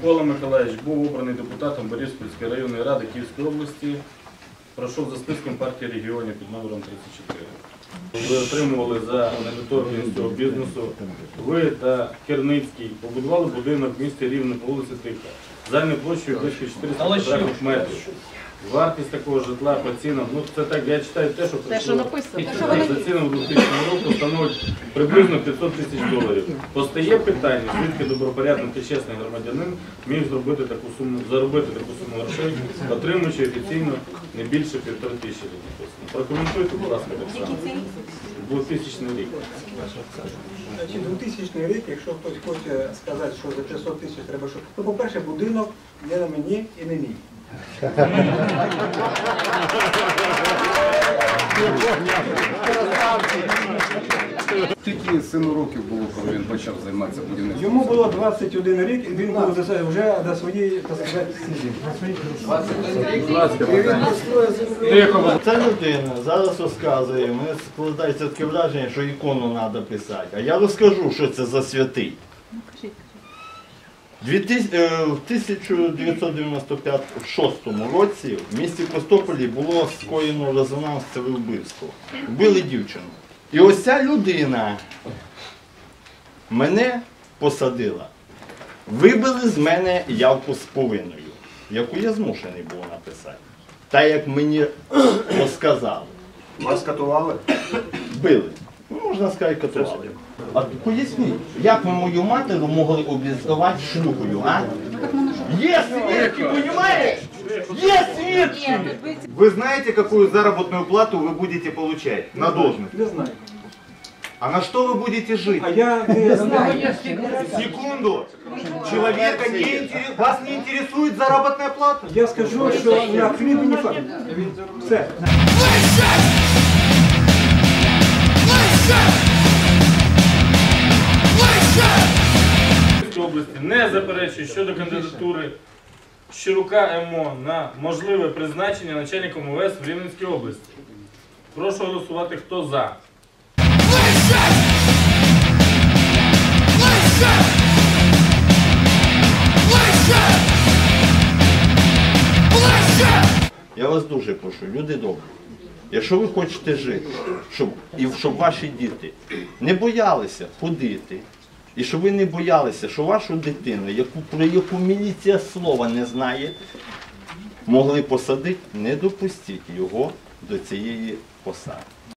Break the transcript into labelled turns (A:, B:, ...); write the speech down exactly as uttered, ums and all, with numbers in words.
A: Микола Миколаївич був обраний депутатом Бориспільської районної ради Київської області. Пройшов за списком партії регіонів під номером тридцять чотири. Ви отримували за недоторканність цього бізнесу. Ви та Керницький побудували будинок в місті Рівне по вулиці Тиха. Загальною площею близько чотириста квадратних метрів. Вартість такого житла по цінам, ну це так, я читаю те, що
B: Те, що написано.
A: за цінами дві тисячі року становить приблизно п'ятсот тисяч доларів. Постає питання, звідки добропорядний та чесний громадянин міг зробити таку суму, заробити таку суму грошей, отримуючи офіційно не більше півтори тисячі написано. Прокоментуйте, будь ласка, так само. двохтисячний рік.
C: двохтисячний рік, якщо хтось хоче сказати, що за п'ятсот тисяч треба, що... Ну, по-перше, будинок не на мені і не мій.
D: Скільки сину років було, коли він почав займатися будівництвом?
C: Йому було двадцять один рік, і він був вже до своєї, так сказати, сім'ї.
E: Ця людина зараз розказує, мене складається таке враження, що ікону треба писати. А я розкажу, що це за святий. В тисяча дев'ятсот дев'яносто шостому році в місті Костополі було скоєно резонансове вбивство. Вбили дівчину. І ось ця людина мене посадила. Вибили з мене явку з повинною, яку я змушений був написати. Та як мені розказали.
F: Вас катували?
E: Били. Ну, можна сказати, катували. А поясніть, як ви мою матір могли обізвати шлюхою, а? Є свідки, понимаешь? Є свідки!
F: Вы знаете, какую заработную плату вы будете получать на должность?
C: Не знаю.
F: А на что вы будете жить?
C: А я не знаю.
F: Секунду! Человека не интерес... Вас не интересует заработная плата?
C: Я скажу, що на хліб і не факт. Все.
A: Області не заперечує щодо кандидатури Щирука Ем О на можливе призначення начальником О Ве Ес в Рівненській області. Прошу голосувати, хто за.
E: Я вас дуже прошу, люди добрі. Якщо ви хочете жити, щоб, і щоб ваші діти не боялися ходити, і щоб ви не боялися, що вашу дитину, яку, про яку міліція слова не знає, могли посадити, не допустіть його до цієї посади.